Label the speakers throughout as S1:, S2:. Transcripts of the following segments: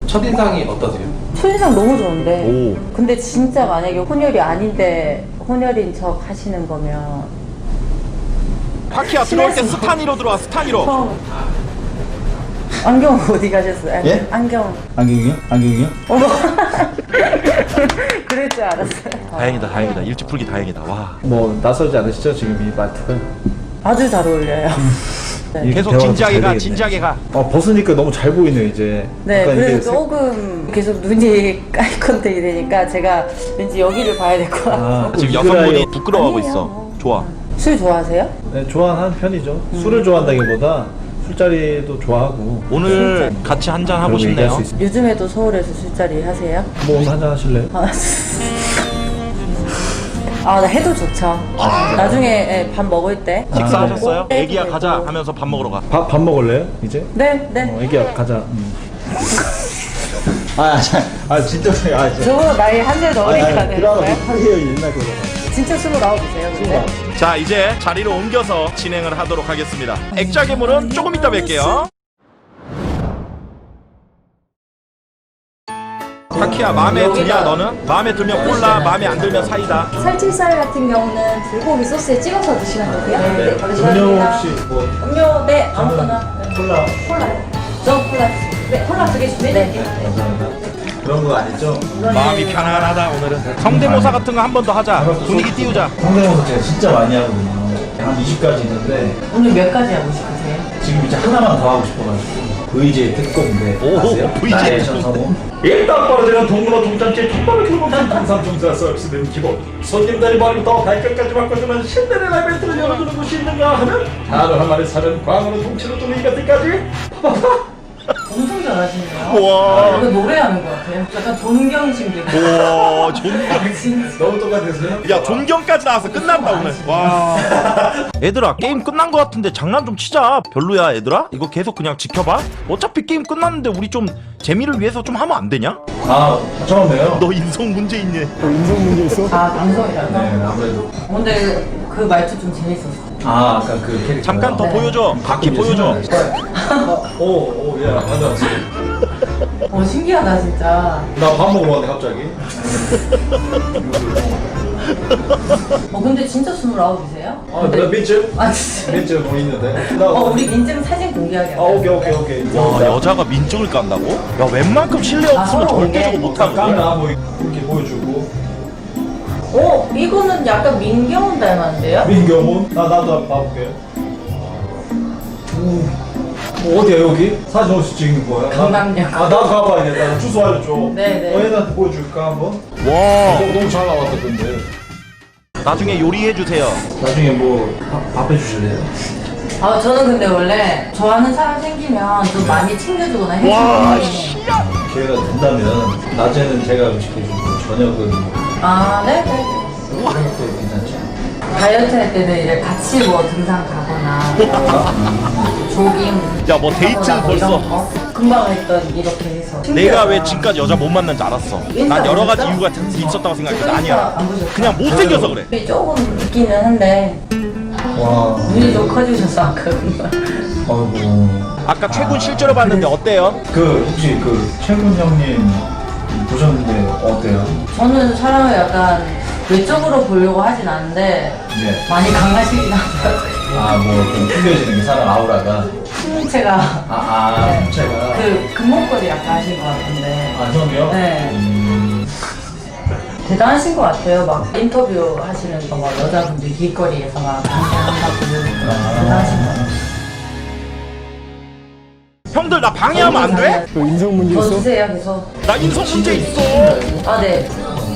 S1: 첫인상이 어떠세요?
S2: 첫인상 너무 좋은데.
S3: 오.
S2: 근데 진짜 만약에 혼혈이 아닌데 혼혈인 척 하시는 거면
S3: 파키야 들어올 때 스타니로 들어와. 스타니로.
S2: 처음. 안경 어디 가셨어요?
S4: 예?
S2: 안경.
S4: 안경이요? 안경이요?
S2: 어머. 그럴 줄 알았어요.
S3: 다행이다 다행이다. 일찍 풀기 다행이다. 와.
S4: 뭐 낯설지 않으시죠 지금 이 말투가?
S2: 아주 잘 어울려요. 네.
S3: 계속
S4: 대화가
S3: 진지하게
S4: 잘
S3: 가.
S4: 되겠네.
S3: 진지하게 가.
S4: 벗으니까 너무 잘 보이네요 이제.
S2: 네,
S4: 약간
S2: 그래서
S4: 이게
S2: 조금 계속 눈이 아이 컨택이 되니까 제가 왠지 여기를 봐야 될 것 같아요.
S3: 지금
S4: 이그라이-
S3: 여성분이 부끄러워하고
S2: 아니에요.
S3: 있어. 좋아.
S2: 술 좋아하세요?
S4: 네, 좋아하는 편이죠. 술을 좋아한다기보다 술자리도 좋아하고.
S3: 오늘 같이 한잔 하고
S4: 그런 거 얘기할
S3: 싶네요.
S4: 수 있습니다.
S2: 요즘에도 서울에서 술자리 하세요?
S4: 뭐 오늘 한잔 하실래요?
S2: 나 해도 좋죠. 나중에 예, 밥 먹을 때.
S3: 식사하셨어요?
S2: 네,
S3: 애기야
S2: 그리고-
S3: 가자 하면서 밥 먹으러 가.
S4: 밥 먹을래요 이제?
S2: 네, 네.
S4: 애기야 가자. 진짜.
S2: 저보다 나이 한 살 더 어리니까 네.
S4: 못하게요 옛날 그거.
S2: 진짜 29이세요, 근데?
S3: 자 이제 자리로 옮겨서 진행을 하도록 하겠습니다. 액자 괴물은 조금 이따 뵐게요. 파키야 마음에 드냐 너는? 마음에 들면 콜라, 마음에 안 들면 사이다.
S5: 살치살 같은 경우는 불고기 소스에 찍어서 드시면 되고요. 네,
S4: 음료 혹시 뭐
S2: 음료, 네, 아무거나.
S4: 콜라?
S5: 콜라요.
S2: 저 콜라.
S5: 네, 콜라 2개 준비해드릴게요.
S4: 감사합니다. 그런 거 아니죠?
S3: 마음이 편안하다 오늘은. 성대모사 같은 거 한 번 더 하자. 분위기 띄우자.
S4: 성대모사 제가 진짜 많이 하거든요. 한 20가지 있는데
S2: 오늘 몇 가지 하고 싶으세요?
S4: 지금 이제 하나만 더 하고 싶어가지고 VJ 특공대
S3: 오,
S4: 아세요?
S3: VJ
S4: 나레이션 성우. 일단 떨어지는 동문어 동장제 톱밥을 켜놓는 강삼중사 서비스는 기본. 손님들이 머리부터 발끝까지 바꿔주는 신데렐라 멘트를 열어주는 곳이 있는가 하면 단어 한 마리 사는 광어는 통째로 뚫는 이것들까지
S2: 엄청 잘하시네요.
S3: 와.
S2: 이거 노래하는 것 같아요. 약간 존경심도 있고.
S3: 오 존경.
S4: 너무 똑같으세요?
S3: 야 존경까지 나와서 끝난다 오늘. 와. 얘들아 게임 끝난 거 같은데 장난 좀 치자. 별로야 얘들아? 이거 계속 그냥 지켜봐. 어차피 게임 끝났는데 우리 좀 재미를 위해서 좀 하면 안 되냐?
S4: 처음에요?
S3: 너 인성 문제 있네.
S2: 방송이라서.
S4: 네 아무래도
S2: 근데 그 말투 좀 재밌었어.
S4: 아까 그 캐릭터
S3: 잠깐 더 보여줘. 바퀴 보여줘.
S4: 오야 맞아.
S2: 신기하다, 진짜.
S4: 나 밥 먹으러 왔네 갑자기.
S2: 근데 진짜 29이세요?
S4: 나 민증?
S2: 아, 진짜.
S4: 민증 뭐 있는데?
S2: 우리 민증 사진 공개하게 할까요?
S4: 오케이.
S3: 와 여자가 민증을 깐다고? 야 웬만큼 신뢰 없으면
S2: 서로
S3: 절대 저거
S2: 오게.
S3: 못하거든.
S4: 까나 뭐 이렇게 보여주고.
S2: 이거는 약간 민경훈 닮았는데요?
S4: 민경훈? 나도 한번 봐볼게요. 어디야 여기? 사진 어디서 찍는 거야?
S2: 강남역.
S4: 나도 가봐야겠다. 주소 알려줘.
S2: 네네.
S4: 얘한테 보여줄까 한번?
S3: 와
S4: 너무 잘 나왔다 근데.
S3: 나중에 요리해 주세요.
S4: 나중에 뭐 밥 해주실래요?
S2: 저는 근데 원래 좋아하는 사람 생기면 좀 많이 챙겨주거나
S3: 와
S2: 해주는
S3: 씨야.
S4: 기회가 된다면 낮에는 제가 음식 해주고 저녁은
S2: 네.
S4: 그런 것도 괜찮죠?
S2: 다이어트 할 때는 이제 같이 뭐 등산 가거나 조깅
S3: 야, 뭐 데이트
S2: 하거나 뭐 이런
S3: 벌써?
S2: 거. 금방 했던 이렇게 해서
S3: 내가 왜 지금까지 여자 못 만난지 알았어. 난 여러 가지 이유가 있었다고 생각했는데 아니야. 그냥 못생겨서 그래.
S2: 눈이 조금 있기는 한데
S4: 와.
S2: 눈이 좀 커지셔서 아까 금방.
S4: 아이고.
S3: 아까 최군 실제로 봤는데 어때요?
S4: 혹시 최군 형님 보셨는데 어때요?
S2: 저는 사람을 약간 외적으로 보려고 하진 않는데
S4: 네.
S2: 많이 강하시긴 하더라고요.
S4: 좀 풍겨지는 게 사람 아우라가.
S2: 제가
S4: 풍채가.
S2: 금목걸이 약간 하신 것 같은데
S4: 형이요?
S2: 네. 대단하신 것 같아요. 막 인터뷰 하시는 거 막 여자분들 길거리에서 막 방송한다고 대단하신 것 같아요.
S3: 형들 나 방해하면 안 돼?
S2: 더 주세요 계속.
S3: 나 인성 문제 있어.
S2: 네.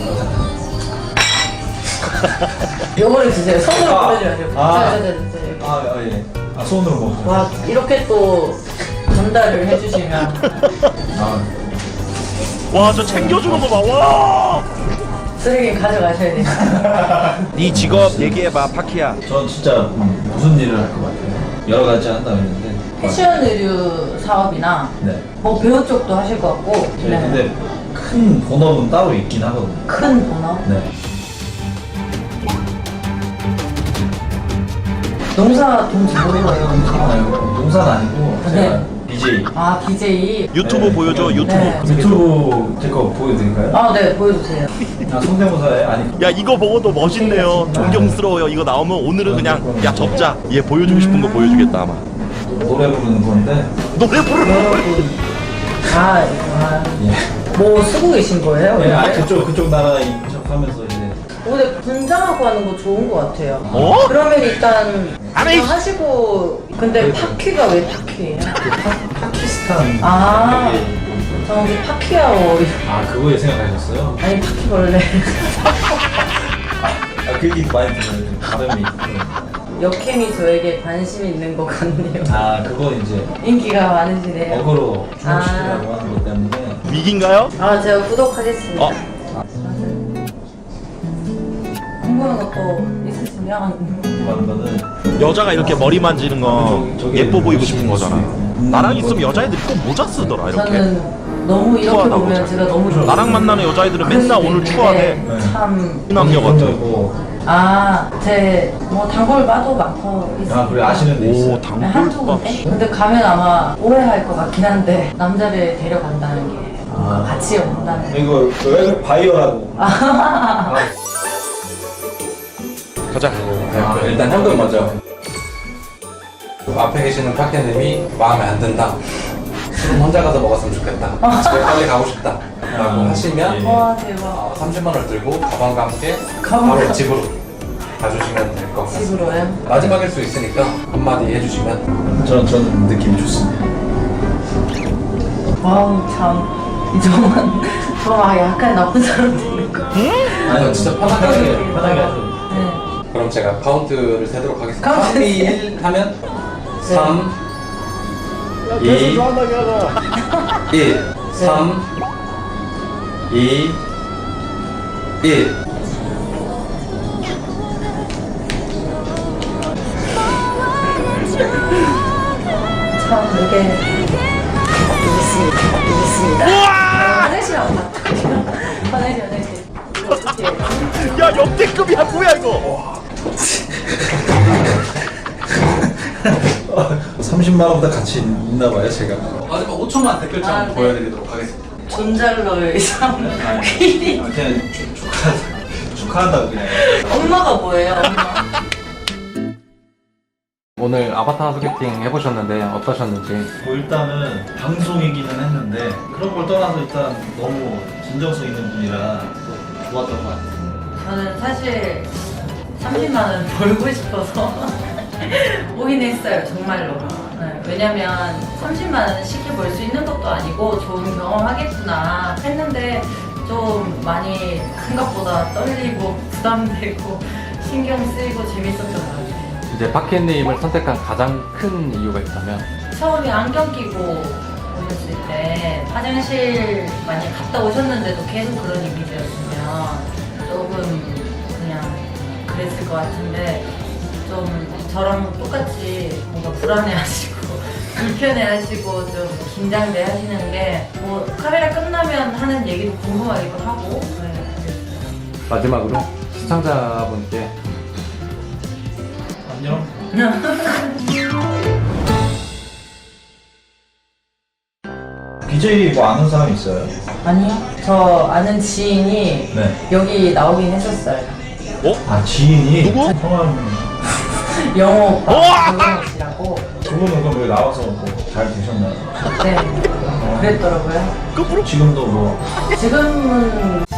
S2: 요거를 주세요. 손으로 보여줘야죠.
S4: 예. 손으로 먹어요.
S2: 와 이렇게 또 전달을 해주시면
S3: 와 저 챙겨주는 거 봐. 와.
S2: 쓰레기 가져가셔야 돼요.
S3: 네 직업 얘기해봐 파키야.
S4: 전 진짜 무슨 일을 할 것 같아요? 여러 가지 한다고 했는데.
S2: 패션 의류 사업이나
S4: 네.
S2: 뭐 배우 쪽도 하실 것 같고.
S4: 근데 큰 본업은 따로 있긴 하거든요.
S2: 큰 본업.
S4: 네.
S2: 농사 돈 잘 벌어요.
S4: 농사는 아니고 제가
S2: 네.
S4: BJ.
S2: 아 BJ.
S3: 유튜브
S4: 네.
S3: 보여줘 유튜브.
S2: 네.
S4: 유튜브 제 거 보여드릴까요?
S2: 아 네 보여주세요.
S4: 아 성대모사에 아니
S3: 야 이거 보고도 멋있네요. 존경스러워요. 이거 나오면 오늘은 그냥 야 접자. 얘 보여주고 싶은 거 보여주겠다 아마.
S4: 노래 부르는 건데.
S3: 노래 부르는 거.
S2: 여러분. 아,
S4: 예.
S2: 뭐 쓰고 계신 거예요?
S4: 네, 아
S2: 오늘?
S4: 그쪽 나라 인척하면서 이제.
S2: 오늘 분장하고 하는 거 좋은 거 같아요.
S3: 어?
S2: 그러면 일단
S3: 안 해,
S2: 그냥 하시고 근데
S4: 그래도.
S2: 파퀴가 왜 파퀴예요?
S4: 파키스탄.
S2: 아.
S4: 그게 좀-
S2: 저는 파퀴아오
S4: 아 그거에 생각하셨어요?
S2: 아니 파퀴벌레
S4: 아 그 얘기 많이 들어요. 좀 발음이.
S2: 역행이 저에게 관심 있는 것 같네요.
S4: 아 그거 이제
S2: 인기가 많으시네요.
S4: 어그로 주목시키려고 하는 것 때문에.
S3: 위기인가요?
S2: 아 제가 구독하겠습니다.
S3: 어.
S2: 궁금한 것도 있으시면
S4: 하는 거는
S3: 여자가 이렇게 머리 만지는 거
S4: 저기
S3: 예뻐 보이고 싶은
S4: 저기
S3: 거잖아. 나랑 있으면 여자애들이 꼭 모자 쓰더라 이렇게.
S2: 저는 너무 이렇게
S3: 추하다고
S2: 보면
S3: 잘.
S2: 제가 너무 좋아요.
S3: 나랑 만나는 여자애들은 맨날 오늘 추하대.
S4: 네.
S2: 참.
S3: 남녀 같아.
S2: 제 뭐 단골 바도 많고 있어요.
S4: 아 그래 아시는 데 있어요.
S3: 오
S2: 한
S3: 단골밥.
S2: 두 군데? 근데 가면 아마 오해할 것 같긴 한데 남자를 데려간다는 게 뭔가 같이 온다는 게
S4: 이거 왜 바이어라고.
S3: 가자.
S1: 일단 형들 먼저 앞에 계시는 파케님이 마음에 안 든다, 술은 혼자 가서 먹었으면 좋겠다, 집에 빨리 가고 싶다 라고 하시면
S2: 와 대박
S1: 30만 원을 들고 가방과 함께
S2: 가방.
S1: 바로 집으로 가주시면 될 것 같습니다.
S2: 집으로요?
S1: 마지막일 수 있으니까 한마디 해주시면.
S4: 저는 느낌이 좋습니다.
S2: 와우 참 저만 약간 나쁜 사람 되는 거.
S1: 아니 진짜 편하게.
S4: 편하게 하죠.
S2: 네.
S1: 그럼 제가 카운트를 세도록 하겠습니다.
S2: 카운트
S1: 3, 2, 1 하면 3, 2, 1 3, 2, 1
S2: 참 이게 있습니다. 화장실 안 갔다. 화장실. 이거 어떻게?
S3: 야 역대급이야 뭐야 이거.
S4: 30만 원보다 가치 있나 봐요 제가.
S1: 마지막 5초만 댓글창
S2: 아, 네.
S1: 보여드리도록 하겠습니다.
S2: 존잘러의 참 퀴리.
S4: 그냥 축하한다고 그냥.
S2: 엄마가 뭐예요? 엄마.
S1: 오늘 아바타 소개팅 해보셨는데 어떠셨는지.
S4: 뭐 일단은 방송이기는 했는데 그런 걸 떠나서 일단 너무 진정성 있는 분이라 또 좋았던 것 같아요.
S2: 저는 사실 30만 원 벌고 싶어서 오긴 했어요, 정말로. 네, 왜냐면 30만 원 쉽게 벌 수 있는 것도 아니고 좋은 경험 하겠구나 했는데 좀 많이 생각보다 떨리고 부담되고 신경 쓰이고 재밌었던 것 같아요.
S1: 이제 파케님을 선택한 가장 큰 이유가 있다면?
S2: 처음에 안경 끼고 오셨을 때 화장실 많이 갔다 오셨는데도 계속 그런 이미지였으면 조금 그냥 그랬을 것 같은데 좀 저랑 똑같이 뭔가 불안해하시고 불편해하시고 좀 긴장돼 하시는 게 뭐 카메라 끝나면 하는 얘기도 궁금하기도 하고 네, 그랬어요.
S1: 마지막으로 시청자분께
S4: 안녕. BJ 뭐 아는 사람 있어요?
S2: 아니요, 저 아는 지인이
S4: 네.
S2: 여기 나오긴 했었어요.
S4: 아 지인이
S3: 누구?
S4: 성함.
S2: 영호 오빠
S3: 우와!
S2: 조영호 씨라고.
S4: 두 분은 그럼 여기 나와서 뭐 잘 되셨나요?
S2: 네, 그랬더라고요.
S3: 끝으로
S4: 지금도 뭐
S2: 지금은